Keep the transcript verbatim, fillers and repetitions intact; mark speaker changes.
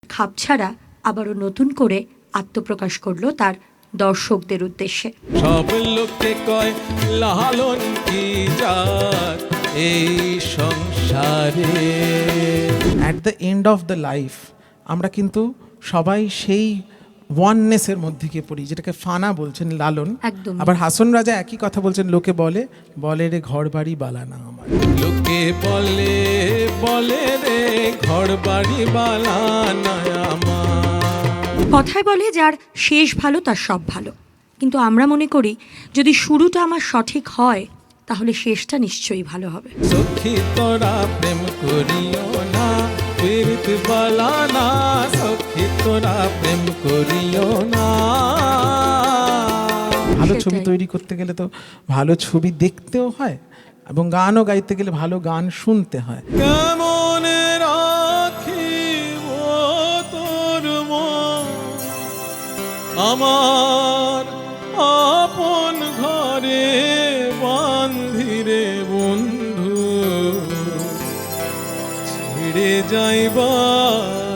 Speaker 1: খাপ ছাড়া আবারও নতুন করে আত্মপ্রকাশ করলো তার দর্শকদের উদ্দেশ্যে।
Speaker 2: সব লোকে কয় লালন কি জাত এই সংসারে।
Speaker 3: At the end of the life আমরা কিন্তু সবাই সেই ওয়াননেসের মধ্যে গিয়ে পড়ি, যেটাকে ফানা বলছেন লালন।
Speaker 1: একদম।
Speaker 3: আবার হাসন রাজা একই কথা বলছেন, লোকে বলে বলে রে ঘর বাড়ি বালানা আমার।
Speaker 2: লোকে বলে বলে রে ঘর বাড়ি বালানা আমার।
Speaker 1: কথায় বলে যার শেষ ভালো তার সব ভালো, কিন্তু আমরা মনে করি যদি শুরুটা আমার সঠিক হয় তাহলে শেষটা নিশ্চয়ই ভালো হবে।
Speaker 2: সখী তোরা প্রেম করিও না পীড়িত বালানা, সখী তোরা প্রেম করিও না।
Speaker 3: ভালো
Speaker 1: সেটাই।
Speaker 3: ছবি তৈরি করতে গেলে তো ভালো ছবি দেখতেও হয়, এবং গানও গাইতে গেলে ভালো গান শুনতে হয়।
Speaker 2: কেমন রাখিব তোর মন আমার আপন ঘরে বান্ধিরে বন্ধু, ছেড়ে যাইবা